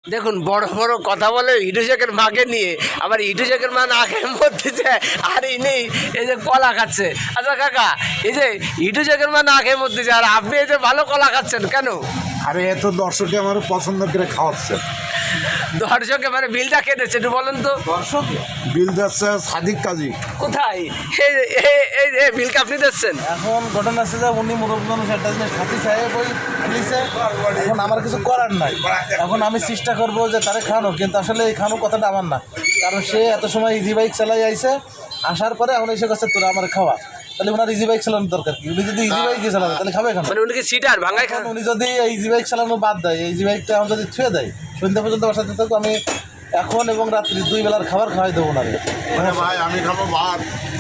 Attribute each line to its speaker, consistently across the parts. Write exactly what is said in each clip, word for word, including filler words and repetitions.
Speaker 1: দেখুন বড় বড় কথা বলে হিটু শেখের মাকে নিয়ে, আবার হিটু শেখের মা না খেয়ে মরতেছে আর ইনি এই যে কলা খাচ্ছে। আচ্ছা কাকা, এই যে হিটু শেখের মা না খেয়ে মরতেছে আর আপনি এই যে ভালো কলা খাচ্ছেন কেন?
Speaker 2: আরে এত দর্শকে আমার পছন্দ করে খাওয়াচ্ছে।
Speaker 1: দর্শকে মানে বিলটা কে দিচ্ছে একটু বলেন তো?
Speaker 2: দর্শক বিল দিচ্ছে সাদিক কাজী।
Speaker 1: কোথায় এই এই- এই এই বিলকে আপনি দিচ্ছেন?
Speaker 3: এখন ঘটনা আছে যে উনি মুরব্বী মানুষ একটা জিনিস খাতি সাহেব ওই পুলিশে, এখন আমার কিছু করার নাই। এখন আমি চেষ্টা করবো যে তারে খাওয়ানো, কিন্তু আসলে এই খাওয়ানোর কথাটা আমার না, কারণ সে এত সময় ইজি বাইক চালাই আইছে, আসার পরে এখন এসে কাছে তোরা আমার খাওয়া, তাহলে ওনার ইজি বাইক চালানোর দরকার কি? উনি যদি ইজি বাইকই চালাবে তাহলে খাবে কেন?
Speaker 1: মানে উনি কি সিটার ভাঙায় খান?
Speaker 3: উনি যদি এই ইজি বাইক চালানো বাদ দেয়, এই ইজি বাইকটা এখন যদি ছুঁয়ে দেয়, সন্ধ্যা পর্যন্ত বাসাতে থাকবো, আমি এখন এবং রাত্রি দুই বেলার খাবার খাওয়াই দেবো না।
Speaker 2: মানে ভাই আমি খাবো ভাত।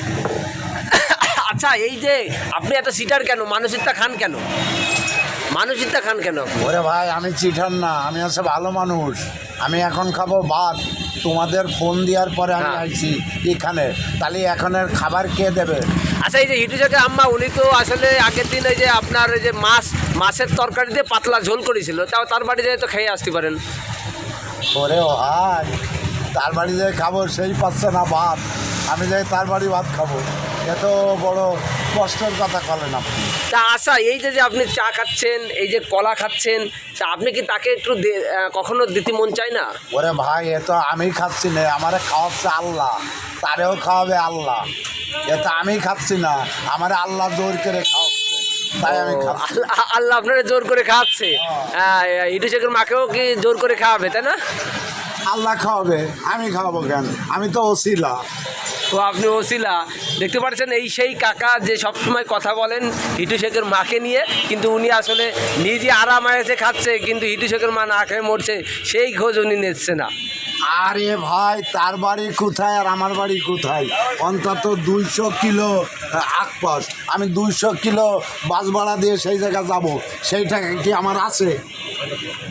Speaker 1: আচ্ছা, এই যে আপনি এত সিটার কেন, মানসিকতা খান কেন, মানসিকতা খান কেন?
Speaker 2: ওরে ভাই আমি চিঠার না, আমি হচ্ছে ভালো মানুষ। আমি এখন খাবো ভাত। তোমাদের ফোন দেওয়ার পরে আমি
Speaker 1: হ্যাঁ।
Speaker 2: আইছি এখানে, তাহলে এখনের খাবার কে দেবে?
Speaker 1: আচ্ছা, এই যে হিটু শেখের আম্মা উনি তো আসলে আগের দিন ওই যে আপনার ওই যে মাছ মাছের তরকারি দিয়ে পাতলা ঝোল করেছিল, তাও তার বাড়ি যেয়ে তো খেয়ে আসতে পারেন।
Speaker 2: ওরে ভাই, তার বাড়ি যে খাবো সেই পাচ্ছে না ভাত, আমি যাই তার বাড়ি ভাত খাবো? এত বড় কষ্টের কথা বলেন আপনি।
Speaker 1: তা আচ্ছা, এই যে যে আপনি চা খাচ্ছেন, এই যে কলা খাচ্ছেন, তা আপনি কি তাকে একটু দে- আহ, কখনো দিতে মন চায় না?
Speaker 2: ওরে ভাই এ তো আমি খাচ্ছি না, আমারে খাওয়াচ্ছে আল্লাহ, তারেও খাওয়াবে আল্লাহ। এ তো আমি খাচ্ছি না, আমার আল্লাহ জোর করে খাওয়াচ্ছে, তাই আমি খাচ্ছি।
Speaker 1: আল্লাহ আল্লাহ আপনারা জোর করে খাওয়াচ্ছে। হ্যাঁ, হিটু শেখের মাকেও কি জোর করে খাওয়াবে, তাই না?
Speaker 2: আল্লাহ খাওয়াবে, আমি খাওয়াবো কেন? আমি তো ওসিলা।
Speaker 1: তো আপনি ওসিলা। দেখতে পাচ্ছেন এই সেই কাকা যে সবসময় কথা বলেন হিটু শেখের মাকে নিয়ে, কিন্তু উনি আসলে নিজে আরাম আয়েতে খাচ্ছে, কিন্তু হিটু শেখের মা না খেয়ে মরছে, সেই খোঁজ উনি নিচ্ছে না।
Speaker 2: আরে ভাই, তার বাড়ি কোথায় আর আমার বাড়ি কোথায়? অন্তত দুইশো কিলো আকপাস, আমি দুইশো কিলো বাস ভাড়া দিয়ে সেই জায়গায় যাবো, সেই টাকা কি আমার আছে?